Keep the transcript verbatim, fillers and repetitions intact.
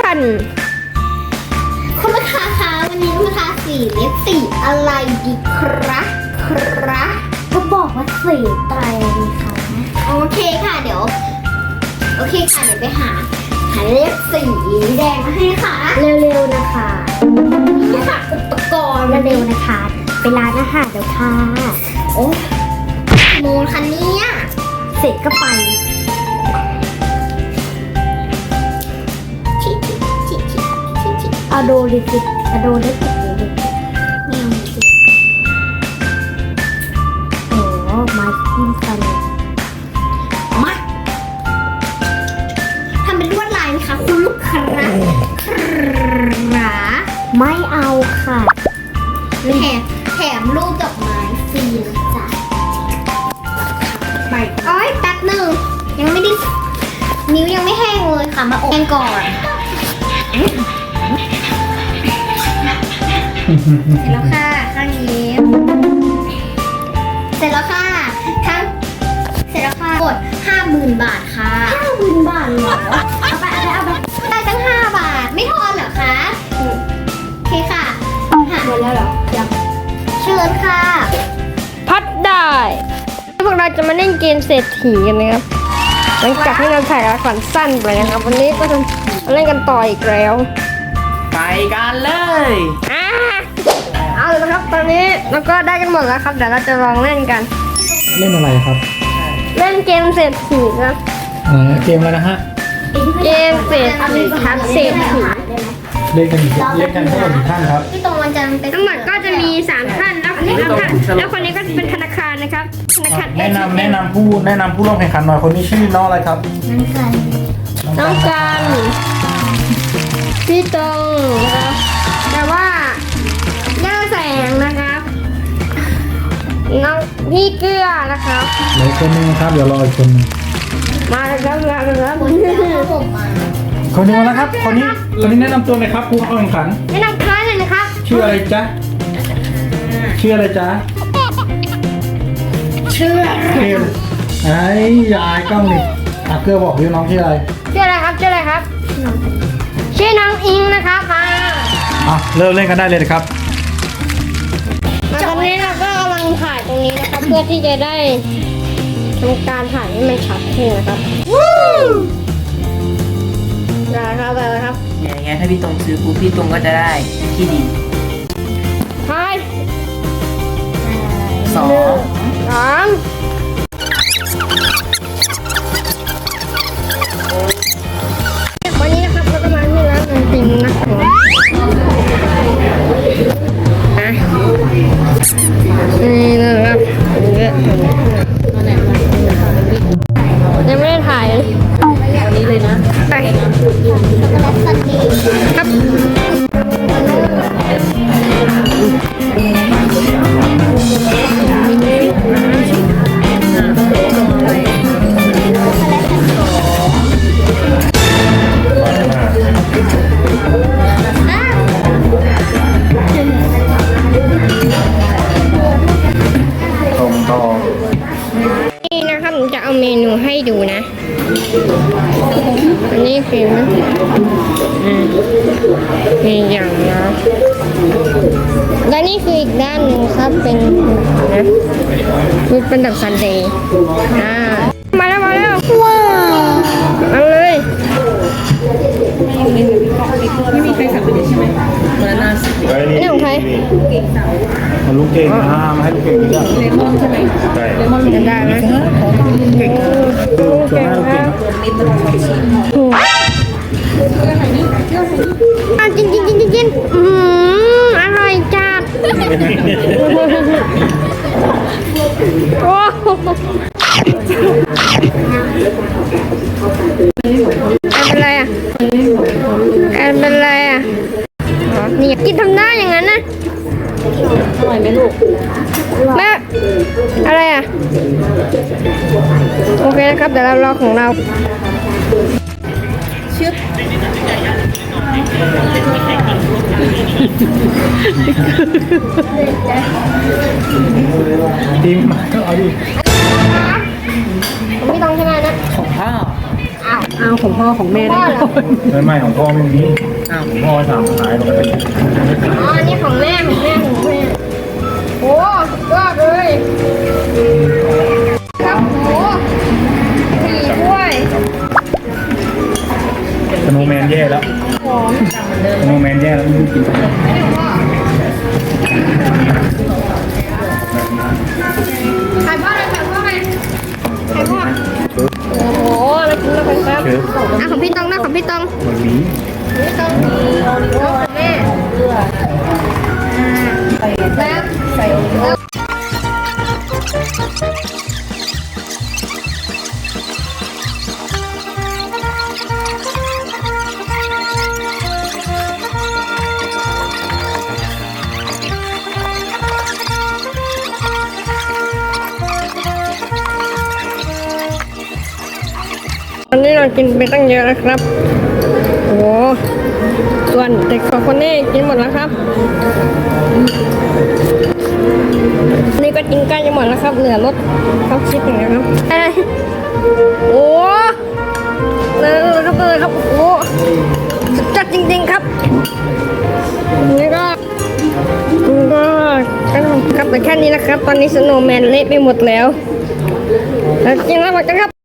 ชั่นคุณลูกค้าคะวันนี้ลูกค้าสีเล็บสีอะไรดีครับครับก็บอกว่าสีไตรดีค่ะโอเคค่ะเดี๋ยวโอเคค่ะเดี๋ยวไปหาหาเล็บสีแดงมาให้ค่ะเร็วๆนะคะนี่ค่ะอุปกรณ์เร็วๆนะคะไปร้านอาหารเดี๋ยวค่ะโอ้โมงคันนี้เสร็จก็ไปเอาโดดิสิเอาโดได้ติดเลยดิไม่เอาสิโอ้มาจิ้มฟันมาทำเป็นลวดลายไหมคะคุณลูกค้าขาไม่เอาค่ะแถมแถมรูปดอกไม้ฟรีนะจ๊ะไปอ้อยแป๊บหนึ่งยังไม่ได้นิ้วยังไม่แห้งเลยค่ะมาอบแห้งก่อนเสร็จแล้วค่ะข้างนี้เสร็จแล้วค่ะทั้งเสร็จแล้วค่ะกดห้าหมื่นบาทค่ะห้าหมื่นบาทเหรอเอาไปเอาไปเอาไปได้ตั้งห้าบาทไม่ทอนเหรอคะโอเคค่ะหาหมดแล้วเหรอยังเชิญค่ะพัดได้พวกเราจะมาเล่นเกมเศรษฐีกันนะครับหลังจากที่เราถ่ายละครสั้นไปนะครับวันนี้ก็จะมาเล่นกันต่ออีกแล้วไปกันเลยอ่าเอาเลยนะครับตอนนี้เราก็ได้กันหมดแล้วครับเดี๋ยวเราจะลองเล่นกันเล่นอะไรครับเล่นเกมเศรษฐีครับอ่าเกมอะไรนะฮะเกมเศรษฐีครับเศรษฐีเล่นกันเล่นกันทั้งหมดกี่ท่านครับที่ตรงวันจันทร์เป็นทั้งหมดก็จะมีสามท่านแล้วแล้วท่านแล้วคนนี้ก็เป็นธนาคารนะครับธนาคารแนะนำแนะนำผู้แนะนำผู้ร่วมแข่งขันหน่อยคนนี้ชื่อน้องอะไรครับนั่นกันน้องกันพี่ตรงนะครับแต่ว่าย่าแสงนะครับน้องพี่เกลือนะครับเหลือคนนึงครับเดี๋ยวรออีกคนนึงมาแล้วครับมาแล้วครับคนที่เอาผมมาคนนี้มาแล้วครับ คนนี้คนนี้แนะนำตัวหน่อยครับผู้เข้าแข่งขันแนะนำคล้ายเลยนะครับชื่ออะไรจ๊ะชื่ออะไรจ๊ะชื่อเกมไอ้ยายกล้องนี่อ่ะเกลือบอกพี่น้องชื่ออะไรชื่ออะไรครับชื่ออะไรครับชื่อน้องอิงนะครับมาอ่ะเริ่มเล่นกันได้เลยนะครับตอนนี้เราก็กำลังถ่ายตรงนี้นะครับเพื่อที่จะได้ทำการถ่ายให้มันชัดขึ้นนะครับได้ครับไปเลยครับอย่างเงี้ยถ้าพี่ตรงซื้อปุ๊บพี่ตรงก็จะได้ที่ดินถ่ายสองสามวันนี้นะครับเราก็มาที่ร้านไอติมนะครับอ่ะนี่นะครับยังไม่ได้ถ่ายเลยวันนี้เลยนะไปช็อกโกแลตซันเดย์ครับนี่นะครับผมจะเอาเมนูให้ดูนะ อันนี้คืออืมมีอย่างนะและนี่คืออีกด้านหนึ่งครับเป็นนะมันเป็นแบบซันเดย์อ่ามาแล้วมาแล้วว้าวเอาเลยไม่มีใครสั่งไปเลยใช่ไหมมาหน้าสินี่ของใครมาลูกเก่งนะมาให้ลูกเก่งดีกว่าเลมอนใช่ไหมเลมอนจะได้ไหมเก่งส่วนหน้าลูกเก่งนิดนึงของชิ้นอ่ะกินกินกินกินกินอืมอร่อยจัดโอ้เป็นไรอ่ะเป็นไรอ่ะนี่กินทำหน้าอย่างนั้นนะอร่อยไหมลูกแม่อะไรอ่ะโอเคนะครับเดี๋ยวเรารอของเราชึบทีมมาเอาดิผมไม่ต้องใช่ไหมนะของพ่ออ้าวเอาของพ่อของแม่ได้ไม่ไม่ของพ่อไม่มีอ้าวของพ่อสามขายปกติอ๋ออันนี้ของแม่ของแม่ของแม่โอ้ยอดเลยครับโอ้สี่ถ้วยสโนว์แมนแย่แล้วหอมสโนว์แมนแย่แล้วไม่รู้กินอะไรไข่พ่อเลยไข่พ่อไงไข่พ่อโอ้โหมากินแล้วกันครับเชิญอ่ะของพี่ตองนะของพี่ตองมันมีพี่ตองมีโอริโอ้ของแม่แล้วใส่โอริโอวันนี้เรากินไปตั้งเยอะแล้วครับ โอ้โหส่วนเด็กสองคนนี้กินหมดแล้วครับ นี่ก็กินใกล้จะหมดแล้วครับ เหลือรสข้าวชิดอย่างเดียวครับเอ้ยโอ้เหลือเลยครับเลยครับ โอ้โหสุดยอดจริงๆครับ นี่ก็ก็ก็ครับแต่แค่นี้นะครับ ตอนนี้สโนว์แมนเละไปหมดแล้ว แล้วกินแล้วหมดกันครับ